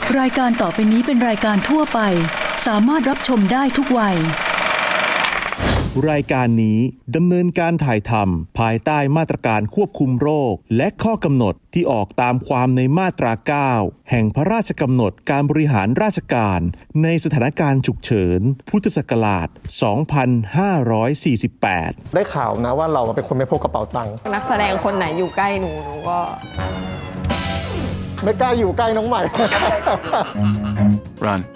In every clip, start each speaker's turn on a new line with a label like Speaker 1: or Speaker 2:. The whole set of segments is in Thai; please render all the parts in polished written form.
Speaker 1: รายการต่อไปนี้เป็นรายการทั่วไปสามารถรับชมได้ทุกวัย
Speaker 2: รายการนี้ดำเนินการถ่ายทำภายใต้มาตรการควบคุมโรคและข้อกำหนดที่ออกตามความในมาตรา 9 แห่งพระราชกำหนดการบริหารราชการในสถานการณ์ฉุกเฉินพุทธศักราช 2548
Speaker 3: ได้ข่าวนะว่าเราเป็นคนไม่พกกระเป๋าตังค์
Speaker 4: นักแสดงคนไหนอยู่ใกล้หนูก็
Speaker 3: ไม่กล้าอยู่ใกล้น้องใหม่
Speaker 5: Run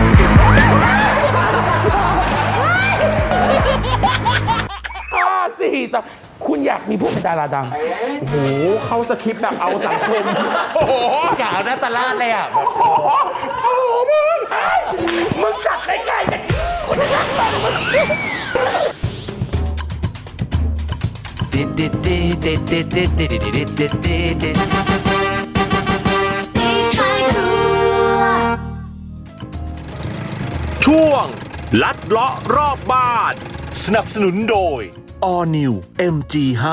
Speaker 6: 4 คุณอยากมีพวกเป็นดาราดัง
Speaker 3: โอ้โหเข้าสคริปต์แบบเอาสังคม
Speaker 6: โอ้โหกล่าวนะตลาดเลยอ่ะโอ้โหมึงจัดได้ไงกันคุณจะรักมัน
Speaker 2: ช่วงลัดเลาะรอบบ้านสนับสนุนโดย All New MG5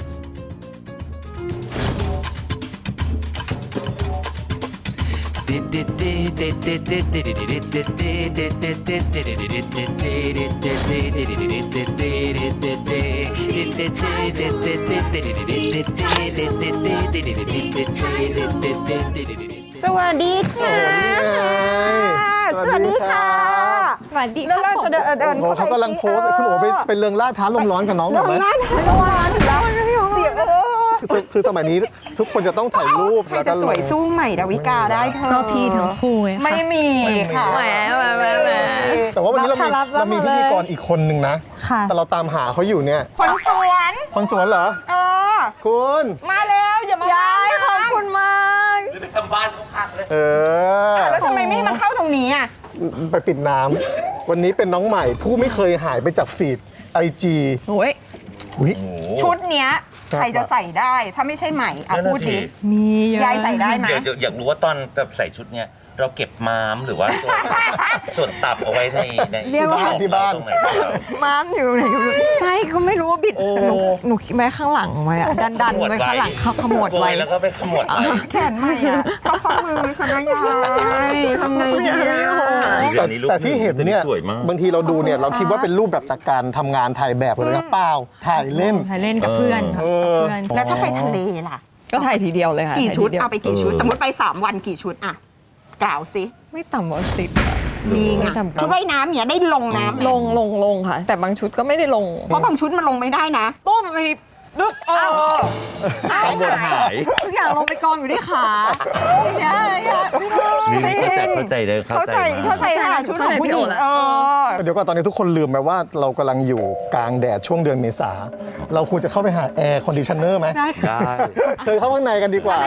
Speaker 7: สวัสดีค่ะ สวัสดีค่ะ
Speaker 4: สวัสดี
Speaker 7: แล้วเราจะเดิน
Speaker 3: โอ้โหเขากำลังโพสต์คุณโอ๋ไปเริงล่าท้าลมร้อนกับน้องหน่อยไหม
Speaker 7: หน้าทางวันแล้วเสีย
Speaker 3: คือสมัยนี้ทุกคนจะต้องถ่ายรูป
Speaker 7: ใครจะสวยสู้ใหม่ดาวิกาได้เธอก็พี่ทั้งคู่ไม่มีค่ะแหม
Speaker 3: แต่ว่าวันนี้เรามีพิธีกรอีกคนหนึ่งนะแต่เราตามหาเขาอยู่เนี่ย
Speaker 7: คนสวน
Speaker 3: คนสวนเหรอคุณ
Speaker 7: มาแล้วอย่ามาย้ายขอบคุณมาก
Speaker 6: ไปทำบ้านเขาพักเลย
Speaker 7: แล้วทำไมไม่มาเข้าตรงนี้อ่ะ
Speaker 3: ไปปิดน้ำวันนี้เป็นน้องใหม่ผู้ไม่เคยหายไปจากฟีด IG
Speaker 4: โอ้ย
Speaker 7: ชุดเนี้ยใครจะใส่ได้ถ้าไม่ใช่ใหม่อ่ะพูดดิ
Speaker 4: มีเยอะ
Speaker 7: ยายใส่ได้ไหม
Speaker 6: เดี๋ยวอยากรู้ว่าตอนแบบใส่ชุดเนี้ยเราเก็บม้ามหรือว่าส่วนตับเอาไว้ใน
Speaker 4: เรียกว่า
Speaker 3: ที่บ้าน
Speaker 6: ตรงไหนครับ
Speaker 4: ม้ามอยู่ไหนใช่ก็ไม่รู้ว่าบิดหนูคิดไว้ข้างหลังไว้อะดันไว้ข้างหลังเขาขมวดไว้
Speaker 6: แล้วก็ไปขมวดไว้
Speaker 7: แขนใหม่อ่ะก็ข้อมือฉันว่ายายทำไงดีอ่ะ
Speaker 3: แต่ที่เห็นเนี่ย
Speaker 6: สวยมาก
Speaker 3: บางทีเราดูเนี่ยเราคิดว่าเป็นรูปแบบจากการทำงานถ่ายแบบเลยนะเปล่าถ่ายเล่น
Speaker 4: ถ่ายเล่นกับเพื่อนค่ะกับเพื่อน
Speaker 7: แล้วถ้าไปทะเลล่ะ
Speaker 4: ก็ถ่ายทีเดียวเลยค่ะ
Speaker 7: กี่ชุด
Speaker 4: ถ่ยทีเยว
Speaker 7: เอาไปกี่ชุด สมมติไป3 วันกี่ชุดอะกล่าวสิ
Speaker 4: ไม่ต่ำกว่า10อะ
Speaker 7: มีไง
Speaker 4: ไม่ต่ำกว่า
Speaker 7: ชุดว่ายน้ำเนี่ยได้ลงน้ำ
Speaker 4: ลงค่ะ แต่บางชุดก็ไม่ได้ลง
Speaker 7: เพราะบางชุดมันลงไม่ได้นะ
Speaker 4: ต้มไปดึกอ้าว
Speaker 6: บนหาย
Speaker 4: ทุกอย่างลงไปกองอยู่ที่ขาเนี่ยไม่ได้
Speaker 6: นี่เข้าใจเลยเข้าใจมาก
Speaker 7: เข้าใจค่ะชุดของผู้หญิง
Speaker 3: เดี๋ยวก่อนตอนนี้ทุกคนลืมไปว่าเรากำลังอยู่กลางแดดช่วงเดือนเมษาเราควรจะเข้าไปหาแอร์คอนดิชเนอร์ไหม
Speaker 4: ได้ค่ะ
Speaker 3: เธอเข้าข้างในกันดีกว่า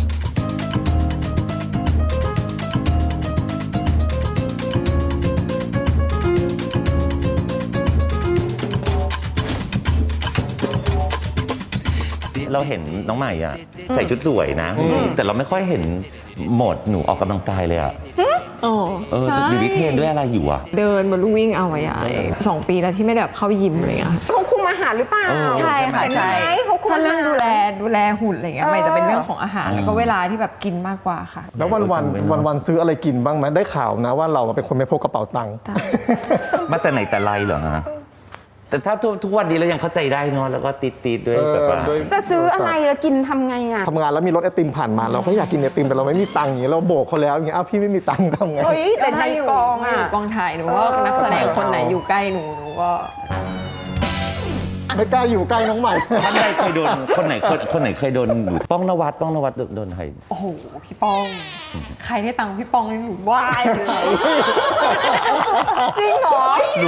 Speaker 6: เราเห็นน้องใหม่อ่ะใส่ชุดสวยนะ แต่เราไม่ค่อยเห็นโหมดหนูออกกำลังกายเลยอ่ะ
Speaker 4: อ๋อใช่
Speaker 6: อยู่ที่เทรนด้วยอะไรอยู่อ่ะ
Speaker 4: เดินบนลู่วิ่งเอาไว้2 ปีแล้วที่ไม่ได้แบบเข้ายิมอะไรอย่างเงี้ยค่ะ
Speaker 7: เขาคุมอาหารหรือเปล่า
Speaker 4: ใช่ค่ะ
Speaker 7: เห็น
Speaker 4: ใช่
Speaker 7: ไหมเขาคุม
Speaker 4: ถ้า
Speaker 7: อา
Speaker 4: เรื่
Speaker 7: หา
Speaker 4: อง
Speaker 7: ร
Speaker 4: ดูแลหุ่นอะไรเงี้ยไม่แต่เป็นเรื่องของอาหารแล้วก็เวลาที่แบบกินมากกว่าค่ะ
Speaker 3: แล้ววันซื้ออะไรกินบ้างไหมได้ข่าวนะว่าเราเป็นคนไม่พกกระเป๋าตังค์
Speaker 6: มาแต่ไหนแต่ไรเหรอฮะแต่ถ้าทุกวันนี้เรายังเข้าใจได้เนาะแล้วก็ติดด้วยแบบว่า
Speaker 7: จะซื้ออะไรแล้วกินทำไงอ่ะ
Speaker 3: ทำงานแล้วมีรถไอติมผ่านมาเราก็อยากกินไอติมแต่เราไม่มีตังค์อย่างเงี้ยเราโบกเขาแล้วอย่างเงี้ยอ้าวพี่ไม่มีตังค์ทำไง
Speaker 7: เฮ้ยแต่ในกองอ่ะ
Speaker 4: กองถ่ายหนูว่านักแสดงคนไหนอยู่ใกล้หนูก็
Speaker 3: ไม่กล้าอยู่ใกล้น้องใหม่
Speaker 6: ท่านใดเคยโดนคนไหนเคยโดนหนูป้องนวัดโดนใคร
Speaker 4: โอ้โหพี่ป้อง ใครได้ตังค์พี่ป้องนี่หนูไหว้เลย
Speaker 7: จริงเหรอ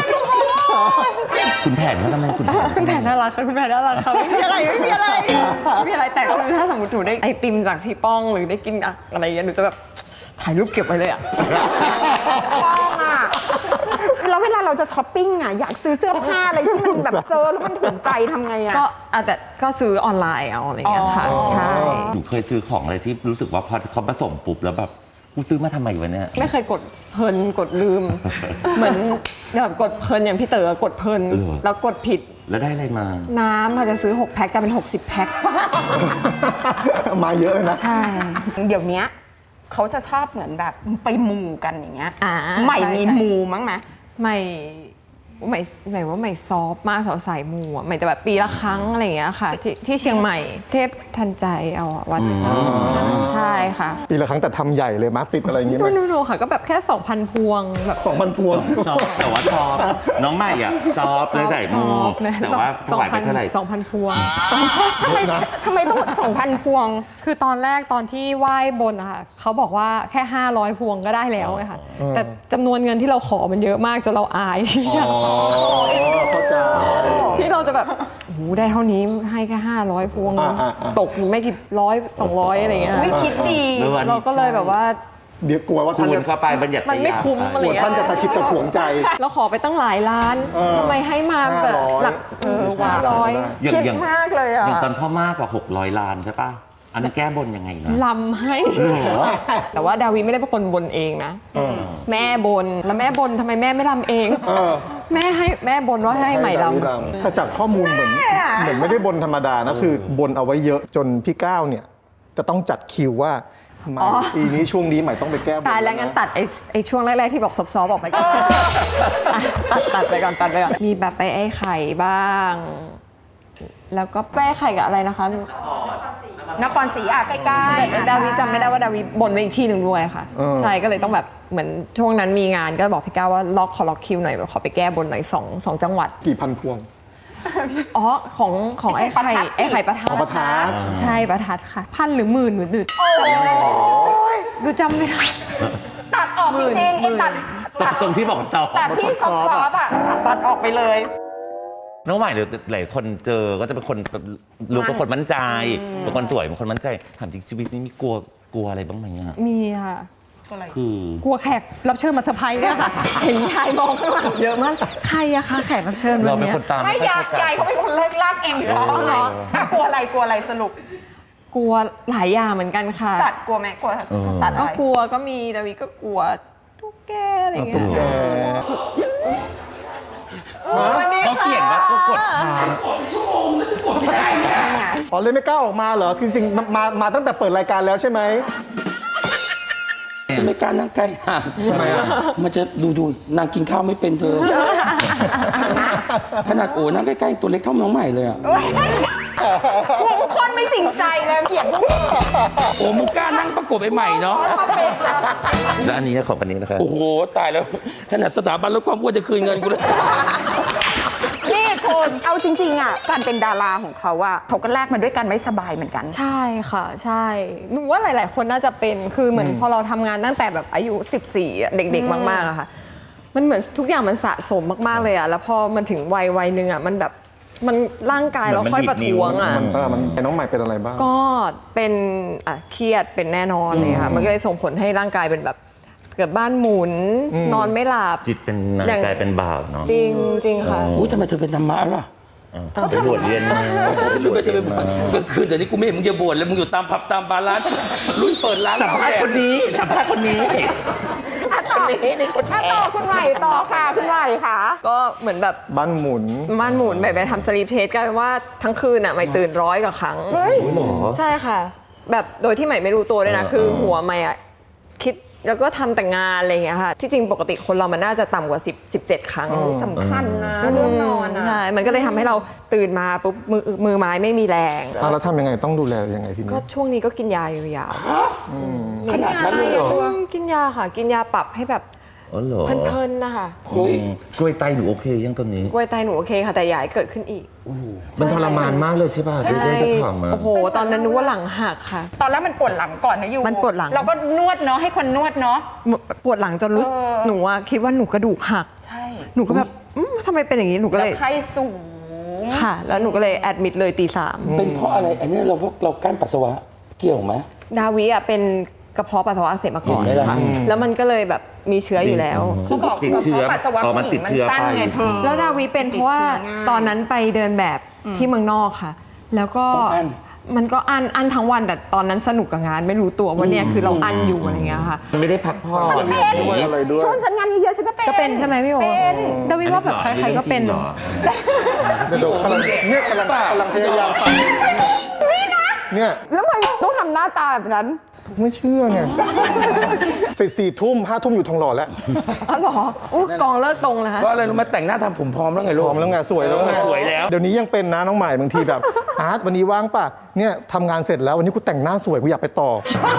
Speaker 6: คุณแผนเขาทำไมคุณแผน
Speaker 4: คุณแผนน่ารักค่ะคุณแผนน่ารักค่ะไม่มีอะไรแต่คือถ้าสมมติหนูได้ไอติมจากพี่ป้องหรือได้กินอะไรอย่างเงี้ยหนูจะแบบถ่ายรูปเก็บไว้เลยอ่ะ
Speaker 7: แล้วเวลาเราจะช้อปปิ้งอ่ะอยากซื้อเสื้อผ้าอะไรที่มันแบบเจอแล้วมันถูกใจทำไงอ่ะ
Speaker 4: ก็แต่ก็ซื้อออนไลน์เอาอะไรอย่างเงี้ยค่ะใช่
Speaker 6: หนูเคยซื้อของอะไรที่รู้สึกว่าพอเขาผสมปุ๊บแล้วแบบกูซื้อมาทำไมวะเนี่ย
Speaker 4: ไม่เคยกดเพลินกดลืม เหมือนแบบกดเพลินอย่างพี่เต๋อกดเพลินแล้วกดผิด
Speaker 6: แล้วได้อะไรมา
Speaker 4: น้ำเราจะซื้อ6 แพ็คกลายเป็น60 แพ็ค
Speaker 3: มาเยอะเลยนะ
Speaker 4: ใช่
Speaker 7: เดี๋ยวนี้เขาจะชอบเหมือนแบบไปมูกันอย่างเงี้ย
Speaker 4: อ่า
Speaker 7: ใหม่
Speaker 4: ใช่
Speaker 7: มี
Speaker 4: ใช่
Speaker 7: มูมั้งไหม
Speaker 4: ใหม่ว่าใหม่ซอฟต์มากสายมูอ่ะใหม่จะแบบปีละครั้งอะไรอย่างเงี้ยค่ะที่เชียงใหม่เทพทันใจเอาอะวัดใช่ค่ะ
Speaker 3: ปีละครั้งแต่ทำใหญ่เลยมั้ยติดอะไรอย่างงี้ไหม
Speaker 4: โนค่ะก็แบบแค่ 2,000 พวงแบบ
Speaker 3: 2,000 พวง
Speaker 6: ซอฟแต่ว่าซอฟน้องใหม่อ่ะซอฟเลยใส่มู
Speaker 4: ซอฟต์นะ
Speaker 6: แต่ว่าถวายไปเท่าไหร่
Speaker 4: 2,000 พวง
Speaker 7: ทำไมต้อง 2,000 พวง
Speaker 4: คือตอนแรกตอนที่ไหว้บนอะค่ะเขาบอกว่าแค่ 500 พวงก็ได้แล้วไงค่ะแต่จำนวนเงินที่เราขอมันเยอะมากจนเราอายที่จะ
Speaker 3: เข้าใจ
Speaker 4: ที่เราจะแบบโอ้โหได้เท่านี้ให้แค่500 พวง ตกไม่กี่100-200อะไรเงี้ย
Speaker 7: ไม่คิดดี
Speaker 4: เราก็เลยแบบว่า
Speaker 3: เดี๋ยวกลัวว่า
Speaker 6: คู
Speaker 3: ท่าน
Speaker 6: ณ
Speaker 3: จะ
Speaker 6: เข้าไปบัญญัติ
Speaker 4: มันไม่คุ้มอะไร
Speaker 3: กลัว
Speaker 4: เงี้ย
Speaker 3: ท่านจะตะคิดตะขวงใจ
Speaker 4: เราขอไปตั้งหลายล้านทำไมให้มาแบบหลักว่าร้อย
Speaker 6: อย่าง
Speaker 7: คิด
Speaker 6: อย่าง
Speaker 7: มากเลยอ่ะ
Speaker 6: อย่างตอนพ่อมากกว่า600 ล้านใช่ป่ะ อันนั้นแก้บนยังไงนะ
Speaker 4: ลำให้แต่ว่าดาวิไม่ได้เป็นคนบนเองนะแม่บนแล้วแม่บนทำไมแม่ไม่ลำเอง แม่บนว่าให้ใหม่ลำ
Speaker 3: แต่จากข้อมูลเหมือนไม่ได้บนธรรมดานะคือบนเอาไว้เยอะจนพี่ก้าวเนี่ยจะต้องจัดคิวว่าใหม่ปีนี้ช่วงนี้ใหม่ต้องไปแก้บน
Speaker 4: ตายแล้วงั้นตัดไอ้ช่วงแรกๆที่บอกซอฟๆออกไปก่อนตัดไปก่อนมีแบบไปไอ้ไข่บ้าง แล้วก็ไปไอ้ไข่กับอะไรนะคะ
Speaker 7: นครศรีอ่ะใกล้ๆ
Speaker 4: ดาวิจำไม่ได้ว่าดาวิบนไปอีกที่หนึ่งด้วยค่ะ ใช่ก็เลยต้องแบบเหมือนช่วงนั้นมีงานก็บอกพี่ก้าวว่าขอล็อกคิวหน่อยแบบขอไปแก้บนหน่อยสองจังหวัด
Speaker 3: กี่พันพวง
Speaker 4: อ๋อของไอ้ไข่ประทัด
Speaker 3: ประทัด
Speaker 4: ใช่ประทัดค่ะ1,000 หรือ 10,000หรือดูจำไม่ได้
Speaker 7: ตัดออกจริงๆไอ้ตัด
Speaker 6: ตรงที่บอกซอฟ
Speaker 7: ตัดที่ซอฟๆอ่ะตัดออกไปเลย
Speaker 6: น้องใหม่เดี๋ยวหลายคนเจอก็จะเป็นคนแบบลูกเป็นคนมั่นใจเป็นคนสวยเป็นคนมั่นใจถามจริงชีวิตนี้มีกลัวอะไรบ้างไหมอ่ะ
Speaker 4: มีค่ะ
Speaker 6: คือก
Speaker 4: ลัวแขกรับเชิญมาเซอร์ไพรส์เนี่ยค่ะ เห็นยายมองข้างหลังเยอะมากใครอะคะแขกรับเชิญวั
Speaker 6: เรา
Speaker 4: น
Speaker 6: เป็น
Speaker 4: เนี้ย
Speaker 6: คนตาม
Speaker 7: ไม่
Speaker 6: ค่อย
Speaker 7: ยาย
Speaker 6: เข้ใจ
Speaker 7: ยายเขาเป็นคนเลิกลากเองอยู่แล้วเหรออ่ะกลัวอะไรสรุป
Speaker 4: กลัวหลายอย่างเหมือนกันค่ะ
Speaker 7: สัตว์กลัวไหมกลัวสัตว์อะ
Speaker 4: ก็
Speaker 7: ไร
Speaker 4: กลัวก็มีดาวิก็กลัวตุ๊กแกอะไรอย่างเงี้
Speaker 3: ตุ๊กแก
Speaker 4: ย
Speaker 6: เขาเขียนว่าก็กดค้าง
Speaker 3: อ๋อเลยไม่กล้าออกมาเหรอจริงๆมาตั้งแต่เปิดรายการแล้วใช่ไหม
Speaker 5: ฉันไม่กล้านั่งใกล้นาง
Speaker 3: ทำไมอ่ะ
Speaker 5: มันจะดูนางกินข้าวไม่เป็นเธอ ขนาดโอ้นั่งใกล้ๆตัวเล็กเท่าน้องใหม่เลยอ่ะ
Speaker 7: ทุกคนไม่จริงใจเลยเกลียดพวกนี้
Speaker 5: โอ้มึงกล้านั่งประกบไอ้ใหม่เนาะ
Speaker 7: ชอบเป็นนะ
Speaker 6: แล้วอันนี้ของอันนี้นะครับ
Speaker 5: โอ้โหตายแล้ว ขนาดสถาบันลดความอ้วนจะคืนเงินกูเลย
Speaker 7: นี่คนเอาจริงๆอ่ะการเป็นดาราของเขาอ่ะเขาก็แลกมาด้วยกันไม่สบายเหมือนกัน
Speaker 4: ใช่ค่ะใช่หนูว่าหลาย ๆ คนน่าจะเป็นคือเหมือนพอเราทำงานตั้งแต่แบบอายุ14อะเด็ก ๆ มาก ๆอะค่ะ มันเหมือนทุกอย่างมันสะสมมาก ๆ เลยอะแล้วพอมันถึงวัยหนึ่งอะมันแบบมันร่างกายเราค่อยประท้วงอะ
Speaker 3: มันน้องใหม่เป็นอะไรบ้าง
Speaker 4: ก็เป็นเครียดเป็นแน่นอนเลยค่ะมันก็เลยส่งผลให้ร่างกายเป็นแบบเกิดบ้านหมุนนอนไม่หลับ
Speaker 6: จิตเป็นนาย
Speaker 4: อย่าง
Speaker 6: กายเป็นบ่าวเนาะ
Speaker 4: จริงค่ะ
Speaker 5: อุ้ยทำไมเธอเป็นธรรมะล่ะ
Speaker 6: ไปบวชเรียนมา
Speaker 5: ใช่ฉันรู้ไปเธอไปบวชก็คือเดี๋ยวนี้กูไม่เห็นมึงจะบวชเลยมึงอยู่ตามผับตามบาร์ร้านรุ่นเปิดร้าน
Speaker 6: สัมภาษณ์คนนี้สัมภาษณ์คนนี้
Speaker 7: ต่อคุณใหม่ต่อค่ะคุณใหม่ค่ะ
Speaker 4: ก็เหมือนแบบ
Speaker 3: บ้านหมุน
Speaker 4: ม่านหมุนแบบไปทำสลีปเทสกลายเป็นว่าทั้งคืนอ่ะใหม่ตื่น100 กว่าครั้งใช่ค่ะ แบบโดยที่ใหม่ไม่รู้ตัวเลยนะคือหัวใหม่อ่ะคิดแล้วก็ทำแต่งานอะไรอย่างเงี้ยค่ะที่จริงปกติคนเรามันน่าจะต่ำกว่า17 ครั้ง
Speaker 7: สำคัญนะเรื่องนอนอ่ะ
Speaker 4: ใช่มันก็เลยทำให้เราตื่นมาปุ๊บมือไม้ไม่มีแรง
Speaker 3: แล้วทำยังไงต้องดูแลยังไงทีนี้
Speaker 4: ก็ช่วงนี้ก็กินยาอยู่ยาว
Speaker 5: ขนาดนั้นเลยเหรอ
Speaker 4: กินยาค่ะ กินยาปรับให้แบบ
Speaker 6: อ๋อเหรอ
Speaker 4: เพลินๆนะคะ
Speaker 5: เฮ้ย
Speaker 6: กล้วยไตหนูโอเคยังตอนนี้
Speaker 4: กล้วยไตหนูโอเคค่ะแต่อย่าให้เกิดขึ้นอีก
Speaker 6: มันทรมานมากเลยใช่ป่ะที่ได้ถามมา
Speaker 4: โอ้โหตอนนั้นนึกว่าหลังหักค่ะ
Speaker 7: ตอนแรกมันปวดหลังก่อนนะยู
Speaker 4: มันปวดหลัง
Speaker 7: เราก็นวดเนาะให้คนนวดเนาะ
Speaker 4: ปวดหลังจนรู้สึกหนูอะคิดว่าหนูกระดูกหัก
Speaker 7: ใช่
Speaker 4: หนูก็แบบทำไมเป็นอย่างนี้หนูก็
Speaker 7: แล้
Speaker 4: เล
Speaker 7: วย ไข้สูง
Speaker 4: ค่ะ แล้วหนูก็เลยแอดมิดเลยตี
Speaker 5: เป็นเพราะอะไรอันนี้เรากั้นปัสสาวะเกี่ยวไหม
Speaker 4: 3ดาวิอะเป็นกระเพาะปัสสาวะอักเสบมาก่อน
Speaker 5: เห็นไหมล่ะ
Speaker 4: ค่ะแล้วมันก็เลยแบบมีเชื้ออยู่แล้ว
Speaker 7: เขาบอก
Speaker 6: ติดเชื้อ
Speaker 7: ปัสสาวะ
Speaker 6: อ๋อมัน
Speaker 7: ผู้หญิ
Speaker 6: ติด
Speaker 7: งมัน
Speaker 6: เชื้อ
Speaker 7: สั้น
Speaker 6: ไป
Speaker 7: ไงเธอ
Speaker 4: แล้วดาวิเป็นเพราะว่าตอนนั้นไปเดินแบบที่เมืองนอกค่ะ แล้วก็
Speaker 5: ต้องอั้น
Speaker 4: มันก็อันทั้งวันแต่ตอนนั้นสนุกกับงานไม่รู้ตัวว่าเนี่ยคือเราอันอยู่อะไรเงี้ยค่ะ
Speaker 6: ไม่ได้พักผ่อน
Speaker 3: ด้วยอะไรด้วย
Speaker 7: ช่วงฉันงานเยอะๆฉันก็เป็น
Speaker 4: ก็เป็นใช่ไหมพี่โอ
Speaker 7: เป็น
Speaker 4: ดาวิว่าแบบใครๆก็เป็น
Speaker 6: หรอ
Speaker 3: เดี๋ยวกำลังพยายามฟังเนี่ย
Speaker 7: แล้วทำไมต้องทำหน้าตาแบบนั้น
Speaker 3: ไม่เชื่อไงเสร็จ4 ทุ่ม5 ทุ่มอยู่ทองหล่อแล้ว
Speaker 4: อ๋อเหรออุ๊ยกองเลิกตรงเลยฮะ
Speaker 5: เพราะอะไรรู้ไหมแต่งหน้าทำผมพร้อมแล้วไงลู
Speaker 3: พ
Speaker 5: ก
Speaker 3: ร้อมแล้วไงสวยแล้วไง
Speaker 5: สวยแล้ว
Speaker 3: เดี๋ยวนี้ยังเป็นนะน้องใหม่บางทีแบบ อาร์ตวันนี้ว่างป่ะเนี่ยทำงานเสร็จแล้ววันนี้กูแต่งหน้าสวยกูอยากไปต่อ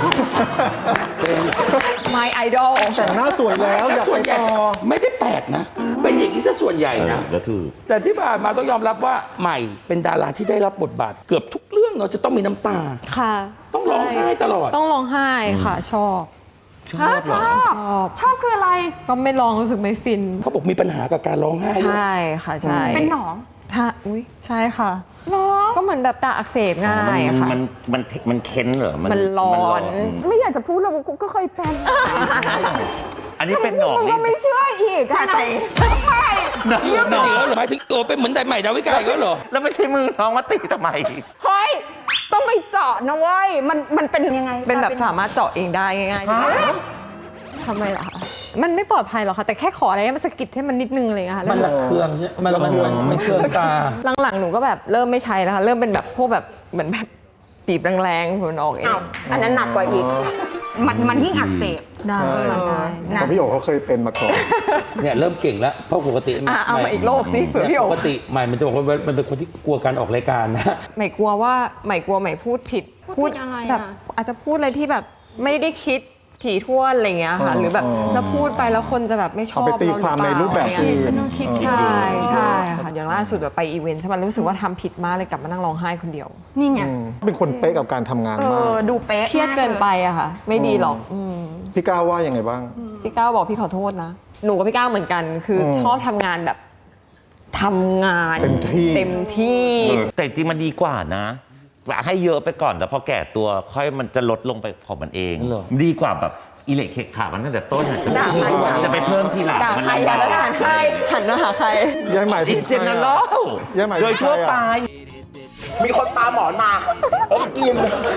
Speaker 4: My Idol
Speaker 3: แต่งหน้าสวยแล้วอยาก
Speaker 5: ส่ว
Speaker 3: ไป
Speaker 5: นใหญ่
Speaker 3: ต่อ
Speaker 5: ไม่ได้แปลกนะ เป็นอย่างนี้ซะส่วนใหญ่นะ
Speaker 6: แล้วถูก
Speaker 5: แต่ที่ผ่านมาต้องยอมรับว่าใหม่เป็นดาราที่ได้รับบทบาท เกือบทุกเรื่องเนาะจะต้องมีน้ำตา
Speaker 4: ค่ะ
Speaker 5: ต้องร้องไห้ตลอด
Speaker 4: ต้องร้องไห้ค่ะ ชอบ
Speaker 6: ชอบเหรอ
Speaker 7: ชอบคืออะไร
Speaker 4: ก็ไม่ร้องรู้สึกไม่ฟิน
Speaker 5: เขาบอกมีปัญหากับการร้องไห้ด้วย
Speaker 4: ใช่ค่ะใช่
Speaker 7: เป็นหนอง
Speaker 4: ถ้าอุ้ยใช่ค่ะ ก็เหมือนแบบตาอักเสบง่ายค่ะ
Speaker 6: มันเค้นเหรอ
Speaker 4: มันร้อน
Speaker 7: ไม่อยากจะพูดเลยว่ากูก็เคยเป็น
Speaker 6: อันนี้เป็นหนอง
Speaker 7: มึง
Speaker 6: นี่
Speaker 7: ก็ไม่เชื่ออีกอะไหนไม่
Speaker 5: เรื่องเป็นอย่างนั้นเหรอหมายถึงโอ้เป็นเหมือนแต่ใหม่ดาวิกาอีกแล้วเหรอ
Speaker 6: แล้วไม่ใช่มือน้องมาตีทำไม
Speaker 7: เฮ้ยต้องไปเจาะนะเว้ยมันเป็นยังไง
Speaker 4: เป็นแบบสามารถเจาะเองได้ง่ายๆทำไมล่ะคะมันไม่ปลอดภัยหรอกค่ะ แต่แค่ขออะไรให้มันสะกิดให้มันนิดนึงอะไรอย่างเงี้ยค่ะ
Speaker 5: มันระเคืองใช่ไหมมันเคืองตา
Speaker 4: หลังๆหนูก็แบบเริ่มไม่ใช้แล้วค่ะเริ่มเป็นแบบพวกแบบเหมือนแบบปีบแรงๆมันออกเอง
Speaker 7: อ้าวอันนั้นหนักกว่าอีก มันยิ่งอักเสบ
Speaker 4: ได้ค่ะได้
Speaker 3: ของพี่โอ๋เขาเคยเป็นมาก่อน
Speaker 5: เนี่ยเริ่มเก่งแล้วเพราะปกติ
Speaker 4: เอามาอีกโลกสิเผื่อพี่โอ๋
Speaker 5: ปกติใหม่มันจะบอกว่ามันเป็นคนที่กลัวการออกรายการนะ
Speaker 4: ใหม่กลัวว่าใหม่กลัวใหม่พูดผิด
Speaker 7: พูดยังไงอะ
Speaker 4: แบบอาจจะพูดอะไรที่แบบไม่ได้คิดถี่ถ้วนอะไรเงี้ยค่ะ หรือแบบแล้วพูดไปแล้วคนจะแบบไม่ชอบ
Speaker 3: เอาไปตีความในรูปแบบอื่น
Speaker 4: ใช่ใช่ค่ะอย่างล่าสุดแบบไปอีเวนต์ใช่ไหมรู้สึกว่าทำผิดมากเลยกลับมานั่งร้องไห้คนเดียว
Speaker 7: นี่ไง
Speaker 3: เป็นคนเป๊ะกับการทำงานมาก
Speaker 7: ดูเป๊ะ
Speaker 4: เครียดเกินไปอะค่ะ ไม่ดีหรอกม
Speaker 3: พี่ก้าวว่ายังไงบ้าง
Speaker 4: พี่ก้าวบอกพี่ขอโทษนะ หนูกับพี่ก้าวเหมือนกัน คือชอบทำงานแบบทำงาน
Speaker 3: เต็มที่
Speaker 4: เต็มที่
Speaker 6: แต่จริงมันดีกว่านะให้เยอะไปก่อนแต่พอแก่ตัวค่อยมันจะลดลงไปของมันเอง
Speaker 5: เหรอ
Speaker 6: ดีกว่าแบบอิเล็กเคขามันตั้งแต่ต้นอะ
Speaker 7: ด่าใครอะ
Speaker 6: จะไปเพิ่มทีหลัง
Speaker 4: ด่า
Speaker 6: มัน
Speaker 4: ใคร
Speaker 6: ลำ
Speaker 4: อะ
Speaker 6: บา
Speaker 4: แล้วด่าก ใครหันมาหาใคร
Speaker 3: ยายใหม่
Speaker 6: อินเจเนอรัล
Speaker 3: ยายใหม่
Speaker 6: โดยทั่วไป
Speaker 8: มีคนปาหมอนมาผมกิน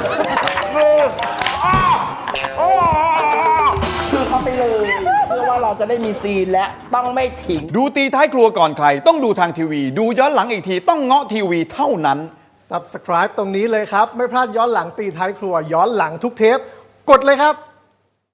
Speaker 8: คือเขาไปเลยเพื่อว่าเราจะได้มีซีนและต้องไม่ทิ้ง
Speaker 9: ดูตีท้ายครัวก่อนใครต้องดูทางทีวี ดูย้อนหลังอีกทีต้องเงาะทีวีเท่านั้น
Speaker 3: Subscribe ตรงนี้เลยครับ ไม่พลาดย้อนหลังตีท้ายครัวย้อนหลังทุกเทป กดเลยครับ